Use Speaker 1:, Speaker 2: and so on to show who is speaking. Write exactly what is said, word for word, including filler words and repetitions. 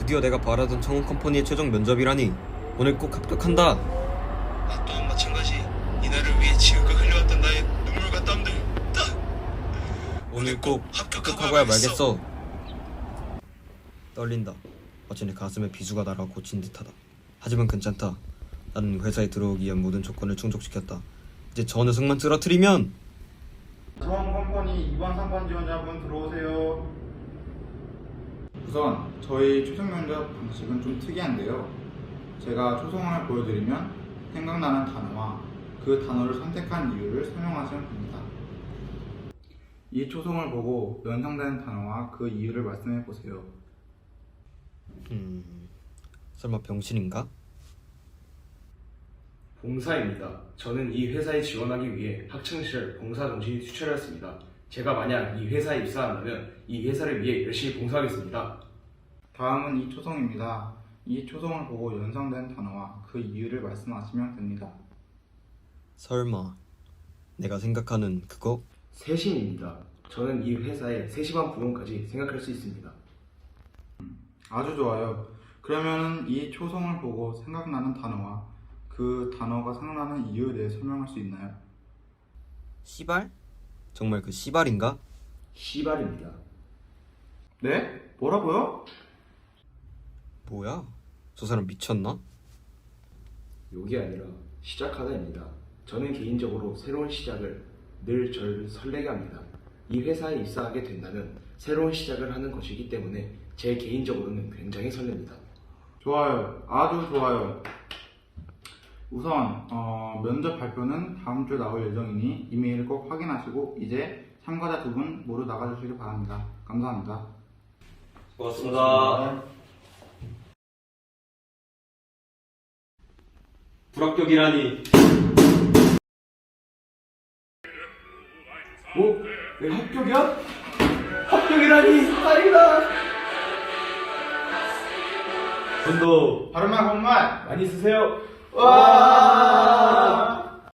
Speaker 1: 드디어 내가 바라던 청운 컴퍼니의 최종 면접이라니. 오늘 꼭 합격한다.
Speaker 2: 나 또한 마찬가지. 이날을 위해 지금껏 흘려왔던 나의 눈물과 땀들 다
Speaker 1: 오늘 꼭
Speaker 2: 합격하고
Speaker 1: 합격하고야
Speaker 2: 말겠어.
Speaker 1: 말겠어. 떨린다. 마치 내 가슴에 비수가 날아 꽂힌 듯하다. 하지만 괜찮다. 나는 회사에 들어오기 위한 모든 조건을 충족시켰다. 이제 저 녀석만 쓰러뜨리면.
Speaker 3: 청원 컴퍼니 이 번 삼 번 지원자분 들어오세요. 우선 저희 초성 면접 방식은 좀 특이한데요. 제가 초성을 보여드리면 생각나는 단어와 그 단어를 선택한 이유를 설명하시면 됩니다. 이 초성을 보고 연상되는 단어와 그 이유를 말씀해 보세요.
Speaker 1: 음... 설마 병신인가?
Speaker 4: 봉사입니다. 저는 이 회사에 지원하기 위해 학창시절 봉사정신이 투철했습니다. 제가 만약 이 회사에 입사한다면 이 회사를 위해 열심히 봉사하겠습니다.
Speaker 3: 다음은 이 초성입니다. 이 초성을 보고 연상된 단어와 그 이유를 말씀하시면 됩니다.
Speaker 1: 설마 내가 생각하는 그거?
Speaker 4: 세심입니다. 저는 이 회사의 세심한 부분까지 생각할 수 있습니다.
Speaker 3: 아주 좋아요. 그러면 이 초성을 보고 생각나는 단어와 그 단어가 생각나는 이유에 대해 설명할 수 있나요?
Speaker 1: 씨발? 정말 그 씨발인가?
Speaker 4: 시발입니다.
Speaker 3: 네? 뭐라고요?
Speaker 1: 뭐야? 저 사람 미쳤나?
Speaker 4: 욕이 아니라 시작하다입니다. 저는 개인적으로 새로운 시작을 늘 저를 설레게 합니다. 이 회사에 입사하게 된다면 새로운 시작을 하는 것이기 때문에 제 개인적으로는 굉장히 설렙니다.
Speaker 3: 좋아요. 아주 좋아요. 우선 어, 면접 발표는 다음 주에 나올 예정이니 이메일을 꼭 확인하시고 이제 참가자 두 분 모두 나가주시길 바랍니다. 감사합니다.
Speaker 1: 고맙습니다. 불합격이라니.
Speaker 4: 뭐? 내가 합격이야? 합격이라니! 아니다!
Speaker 1: 돈도
Speaker 3: 바른말 고운말
Speaker 4: 많이 쓰세요!
Speaker 3: 와!